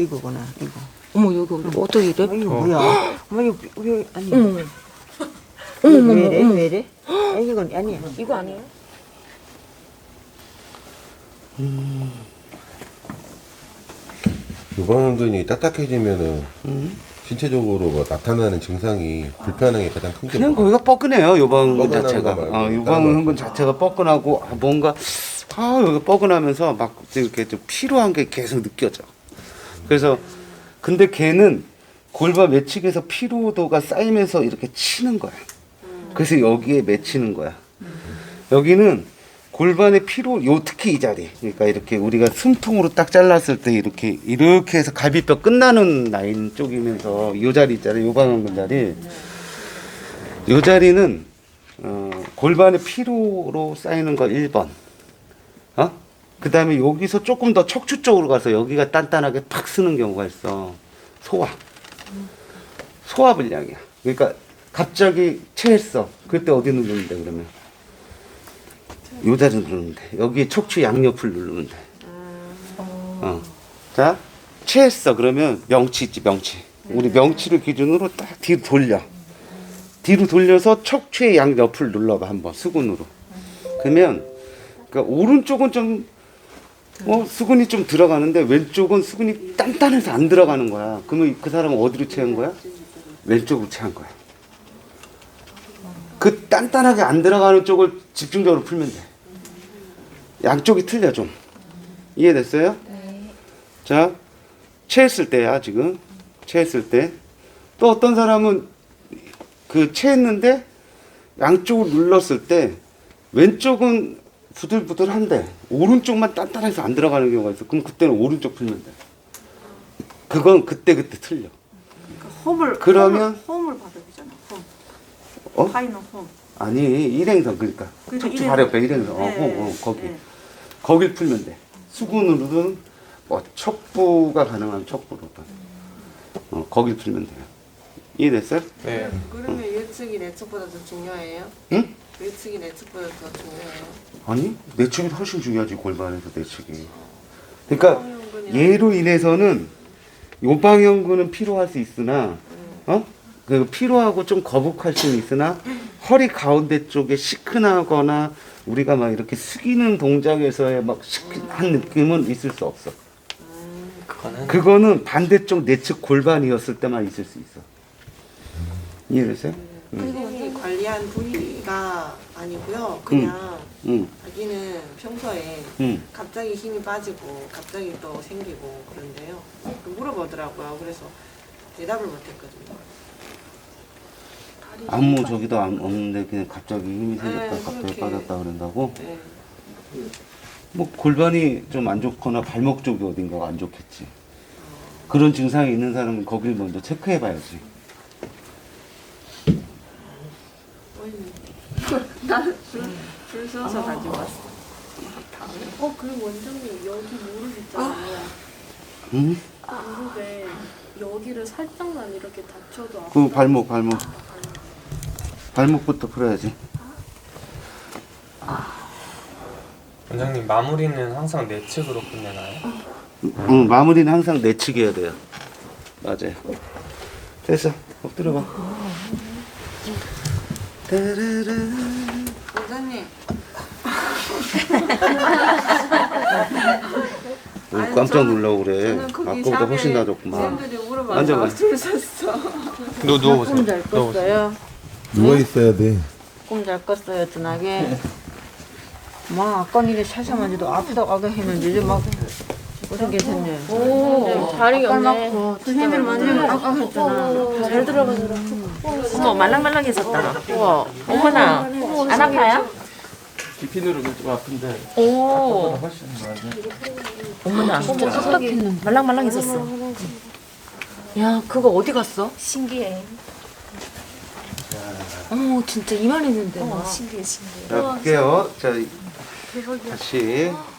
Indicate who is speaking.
Speaker 1: 이거구나 이거.
Speaker 2: 어머 여기 어떻게 이래?
Speaker 1: 이거 뭐야? 어머 이거 왜 아니?
Speaker 2: 어머
Speaker 1: 왜 이래? 왜 이래? 아니 이건 아니야.
Speaker 2: 이거 아니에요?
Speaker 3: 유방암균이 딱딱해지면은 신체적으로 뭐 나타나는 증상이 불편한 게 가장 큰 게
Speaker 4: 그냥
Speaker 3: 뭐야?
Speaker 4: 거기가 뻐근해요. 유방암균
Speaker 3: 뻐근한
Speaker 4: 자체가.
Speaker 3: 거 말고
Speaker 4: 유방암균 자체가 뻐근하고 뭔가 여기 뻐근하면서 막 이렇게 좀 피로한 게 계속 느껴져. 그래서 근데 걔는 골반 매치기에서 피로도가 쌓이면서 이렇게 치는 거야. 그래서 여기에 맺히는 거야. 여기는 골반의 피로, 특히 이 자리. 그러니까 이렇게 우리가 숨통으로 딱 잘랐을 때 이렇게 해서 갈비뼈 끝나는 라인 쪽이면서 이 자리 있잖아요. 요방암근 자리. 이 자리는 골반의 피로로 쌓이는 거 1번. 그 다음에 여기서 조금 더 척추 쪽으로 가서 여기가 단단하게 팍 쓰는 경우가 있어. 소화불량이야. 그러니까 갑자기 체했어. 그때 어디 누르면 돼, 그러면? 요 자리 누르면 돼. 여기 척추 양옆을 누르면 돼. 자, 체했어. 그러면 명치 있지, 명치. 우리 명치를 기준으로 딱 뒤로 돌려. 뒤로 돌려서 척추의 양옆을 눌러봐, 한번. 수근으로. 그러면, 그러니까 오른쪽은 좀, 수근이 좀 들어가는데 왼쪽은 수근이 단단해서 안 들어가는 거야. 그러면 그 사람은 어디로 체한 거야? 왼쪽으로 체한 거야. 그 단단하게 안 들어가는 쪽을 집중적으로 풀면 돼. 양쪽이 틀려 좀. 이해됐어요? 네. 자, 체했을 때야 지금. 체했을 때. 또 어떤 사람은 그 체했는데 양쪽을 눌렀을 때 왼쪽은 부들부들한데 오른쪽만 단단해서 안 들어가는 경우가 있어. 그럼 그때는 오른쪽 풀면 돼. 그건 그때 틀려. 그러면
Speaker 5: 홈을 받아야 되잖아. 홈. 파이는 홈.
Speaker 4: 아니 일행선 그러니까 척추 바로 옆에 일행선. 거기.
Speaker 5: 네.
Speaker 4: 거길 풀면 돼. 수근으로든 뭐 척부가 가능한 척부로든 거길 풀면 돼요. 이해됐어요?
Speaker 6: 네.
Speaker 5: 그러면 예측이 내측보다 더 중요해요?
Speaker 4: 응?
Speaker 5: 예측이 내측보다 더 중요해요?
Speaker 4: 아니 내측이 훨씬 중요하지. 골반에서 내측이. 그러니까 얘로 인해서는 요방형근은 피로할 수 있으나 그 피로하고 좀 거북할 수는 있으나 허리 가운데 쪽에 시큰하거나 우리가 막 이렇게 숙이는 동작에서의 막 시큰한 느낌은 있을 수 없어. 그거는 반대쪽 내측 골반이었을 때만 있을 수 있어. 이해됐어요?
Speaker 5: 선생님이 관리한 부위가 아니고요. 그냥 자기는 평소에 갑자기 힘이 빠지고 갑자기 또 생기고 그런데요. 물어보더라고요. 그래서 대답을 못했거든요.
Speaker 4: 아무 저기도 없는데 그냥 갑자기 힘이 생겼다 갑자기
Speaker 5: 그렇게.
Speaker 4: 빠졌다 그런다고?
Speaker 5: 네.
Speaker 4: 뭐 골반이 좀 안 좋거나 발목 쪽이 어딘가가 안 좋겠지. 그런 증상이 있는 사람은 거길 먼저 체크해 봐야지.
Speaker 5: 줄 서서 가지고 왔어.
Speaker 7: 그리고 원장님 여기 무릎 있잖아요.
Speaker 4: 응?
Speaker 7: 무릎에 여기를 살짝만 이렇게 다쳐도 아파.
Speaker 4: 그 발목부터 풀어야지.
Speaker 6: 원장님 마무리는 항상 내측으로 끝내나요?
Speaker 4: 응, 마무리는 항상 내측이어야 돼요. 맞아요. 됐어. 엎드려 봐.
Speaker 5: 원장님.
Speaker 4: 깜짝 놀라고 그래.
Speaker 5: 저는 거기
Speaker 4: 아까보다 훨씬 나아졌구만.
Speaker 5: 쌤들이 물어봐서
Speaker 4: 앉아봐.
Speaker 5: 줄 섰어.
Speaker 6: 누워보세요.
Speaker 1: 꿈잘 꿨어요.
Speaker 3: 누워 있어야 돼.
Speaker 1: 꿈 잘 꿨어요, 든하게. 막 아까 일에 살살만 해도 아프다고 아까 했는데 이제 막 어떻게 됐네.
Speaker 2: 오 다리가 없네.
Speaker 1: 선생님을 만지면 아까 했잖아.
Speaker 2: 잘 들어가더라. 어머 말랑말랑해졌다. 우와 어머나 안 아파요?
Speaker 6: 비핀으로 좀 아픈데
Speaker 2: 오
Speaker 6: 훨씬 나아요.
Speaker 2: 어머나 진짜 딱딱했는데 말랑말랑해졌어. 야 그거 어디 갔어?
Speaker 7: 신기해.
Speaker 2: 어머 진짜 이만했는데 막.
Speaker 7: 신기해.
Speaker 4: 자, 볼게요. 자, 다시.